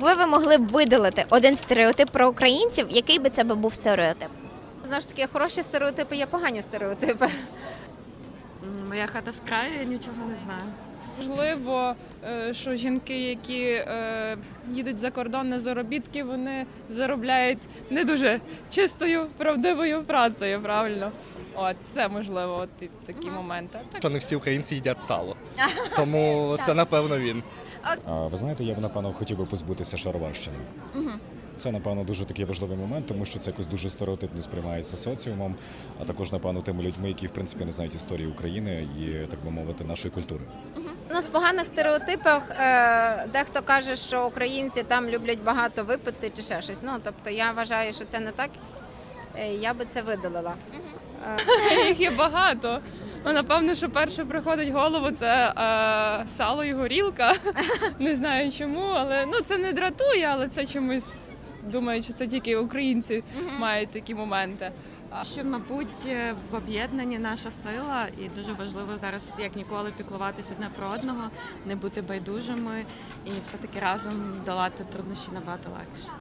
Якби ви могли б видалити один стереотип про українців, який би це був стереотип? Знову ж таки, хороші стереотипи є погані стереотипи. Моя хата з краю, я нічого не знаю. Можливо, що жінки, які їдуть за кордон на заробітки, вони заробляють не дуже чистою, правдивою працею, правильно? От, це можливо, от і такі моменти. Так. Що не всі українці їдять сало. Тому це, напевно, він. Ви знаєте, я б, напевно, хотів би позбутися шароварщини. Це, напевно, дуже такий важливий момент, тому що це якось дуже стереотипно сприймається соціумом, а також, напевно, тими людьми, які, в принципі, не знають історії України і, так би мовити, нашої культури. Ну, з поганих стереотипів дехто каже, що українці там люблять багато випити чи ще щось. Ну, тобто я вважаю, що це не так. Я би це видалила. Їх є багато. Ну, напевно, що перше приходить в голову, це сало і горілка. Не знаю чому, але ну, це не дратує, але це чомусь, думаю, що це тільки українці мають такі моменти. Що, мабуть, в об'єднанні наша сила, і дуже важливо зараз, як ніколи, піклуватись одне про одного, не бути байдужими і все-таки разом долати труднощі набагато легше.